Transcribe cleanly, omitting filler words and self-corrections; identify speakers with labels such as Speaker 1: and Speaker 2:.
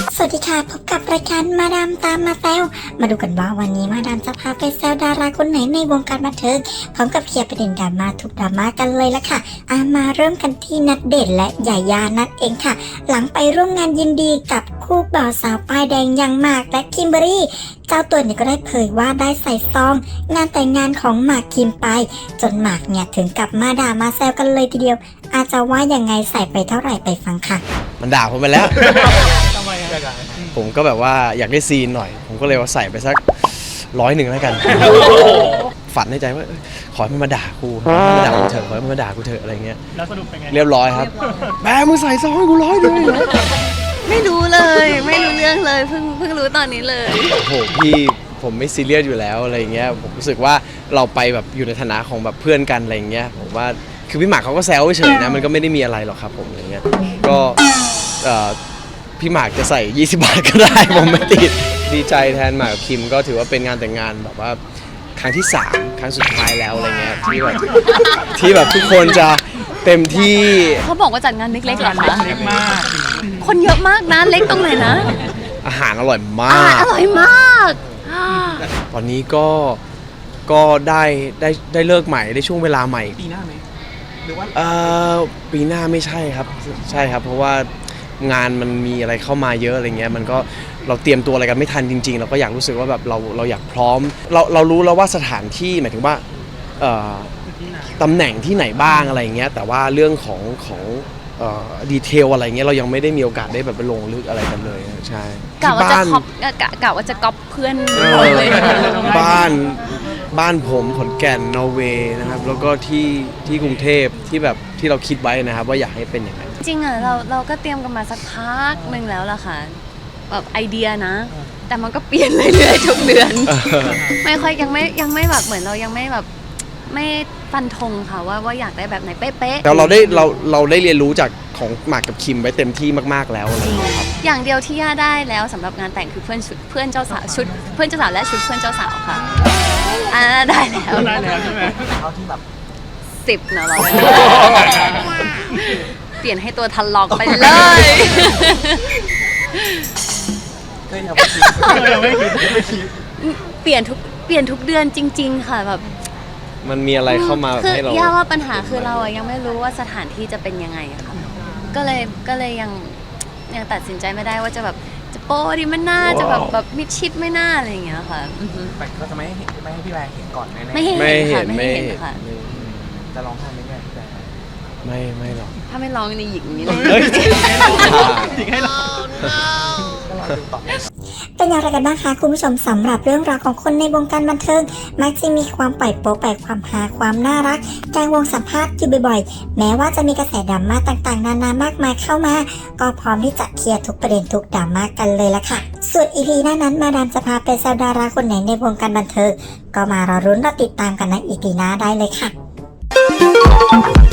Speaker 1: สวัสดีค่ะพบกับรายการมาดามตามมาแซวมาดูกันว่าวันนี้มาดามจะพาไปแซวดาราคนไหนในวงการบันเทิงพร้อมกับเคลียร์ประเด็นดราม่าทุกดราม่ากันเลยละค่ะมาเริ่มกันที่ณเดชน์และยายานั่นเองค่ะหลังไปร่วมงานยินดีกับคู่บ่าวสาวป้ายแดงอย่างหมากและคิมเบอรี่เจ้าตัวเนี่ยก็ได้เผยว่าได้ใส่ซองงานแต่งงานของหมากคิมไปจนหมากเนี่ยถึงกับมาด่ามาแซวกันเลยทีเดียวอาจจะว่ายังไงใส่ไปเท่าไหร่ไปฟังค่ะ
Speaker 2: มันด่าผมไปแล้ว
Speaker 3: ทำไมอะ
Speaker 2: ผมก็แบบว่าอยากได้ซีนหน่อย ผมก็เลยว่าใส่ไปสัก100แล้วกัน ฝันในใจว่าขอให้มันมาด่ากูขอให้มันมาด่ากูเถอะขอให้มันมาด่ากูเถอะอะไรเงี้ย
Speaker 3: แล้วสรุปเป็นไง
Speaker 2: เรียบร้อยครับแม่มึงใส่ซองให้กู100
Speaker 4: ไม่รู้เลยไม่รู้เรื่องเลยเพิ่งรู้ตอนนี้เลย
Speaker 2: โอ้โหพี่ผมไม่ซีเรียสอยู่แล้วอะไรเงี้ยผมรู้สึกว่าเราไปแบบอยู่ในฐานะของแบบเพื่อนกันอะไรเงี้ยผมว่าคือพี่หมากเขาก็แซวเฉยๆนะมันก็ไม่ได้มีอะไรหรอกครับผมอะไรเงี้ยก็พี่หมากจะใส่20 บาทก็ได้ ผมไม่ติดดีใจแทนหมากกับคิมก็ถือว่าเป็นงานแต่งงานแบบว่าครั้งที่3ครั้งสุดท้ายแล้วอะไรเงี้ยที่แบบทุกคนจะเต็มที่
Speaker 4: เขาบอกว่าจัดงานเล็กๆเหรอคะ
Speaker 3: เล็กมาก
Speaker 4: คนเยอะมากนะเล็กตรงไหนนะ
Speaker 2: อาหารอร่อยมา
Speaker 4: อาหาร
Speaker 2: ก
Speaker 4: อร่อยมาก
Speaker 2: ตอนนี้ก็ได้เลิกใหม่ได้ช่วงเวลาใหม่
Speaker 3: ปีหน้าไหมหรือว่า
Speaker 2: ปีหน้าไม่ใช่ครับใช่ครับเพราะว่างานมันมีอะไรเข้ามาเยอะอะไรเงี้ยมันก็เราเตรียมตัวอะไรกันไม่ทันจริงๆเราก็อยากรู้สึกว่าแบบเราอยากพร้อมเรารู้แล้วว่าสถานที่หมายถึงว่าตำแหน่งที่ไหนบ้างอะไรเงี้ยแต่ว่าเรื่องของดีเทลอะไรเงี้ยเรายังไม่ได้มีโอกาสได้แบบไปลงลึกอะไรกันเลยใช่
Speaker 4: กะว่าจะกะว่าจะก๊อปเพื่อนเลย
Speaker 2: บ้านผมขอนแก่นนอร์เวย์นะครับแล้วก็ที่กรุงเทพที่แบบที่เราคิดไว้นะครับว่าอยากให้เป็นอย่างไร
Speaker 4: จริงอ่ะเราก็เตรียมกันมาสักพักหนึ่งแล้วล่ะค่ะแบบไอเดียนะแต่มันก็เปลี่ยนเรื่อยๆทุกเดือนไม่ค่อยยังไม่แบบเหมือนเรายังไม่แบบไม่ฟันธงค่ะว่าอยากได้แบบไหนเป๊ะๆ
Speaker 2: แต่เราได้เรียนรู้จากของหมากกับคิมไว้เต็มที่มากๆแล้วนะครับ
Speaker 4: อย่างเดียวที่ย่าได้แล้วสำหรับงานแต่งคือเพื่อนเจ้าสาวชุดเพื่อนเจ้าสาวและชุดเพื่อนเจ้าสาวค่ะได้แล้ว
Speaker 3: ใช่ไหมเอาที่แบบ
Speaker 4: 10เนาะเราเปลี่ยนให้ตัวทันลอกไปเลย
Speaker 3: ก็ยังไม่คิด
Speaker 4: เปลี่ยนทุกเดือนจริงๆค่ะแบบ
Speaker 2: มันมีอะไรเข้ามาให้เรา
Speaker 4: ย่าว่าปัญหาคือเรายังไม่รู้ว่าสถานที่จะเป็นยังไงอะค่ะก็เลยยังตัดสินใจไม่ได้ว่าจะแบบจะโป๊ดีไม่น่าจะแบบมิดชิดไม่น่าอะไรอย่างเงี้ยค่ะ
Speaker 3: แต่ก็จะไม่ให้พี่แบร์เห็นก่อนแน่ๆ
Speaker 4: ไม่เห็นค่ะ
Speaker 3: จะร้องไห้ไหมแม่พี่แบร์
Speaker 2: ไม่หรอก
Speaker 4: ถ้าไม่ร้องในหญิงนี้เลย
Speaker 3: จริงให้ร้อง
Speaker 1: เป็นอย่างไรกันบ้างคะคุณผู้ชมสำหรับเรื่องราวของคนในวงการบันเทิงมักจะมีความปล่อยโป๊ไปความหาความน่ารักกลางวงสัมภาษณ์อยู่บ่อยๆแม้ว่าจะมีกระแสดราม่าต่างๆนานามากมายเข้ามาก็พร้อมที่จะเคลียร์ทุกประเด็นทุกดราม่ากันเลยละค่ะส่วน EP หน้านั้นมาดามจะพาไปแซวดาราคนไหนในวงการบันเทิงก็มารอรุ้นรอติดตามกันใน EP หน้าได้เลยค่ะ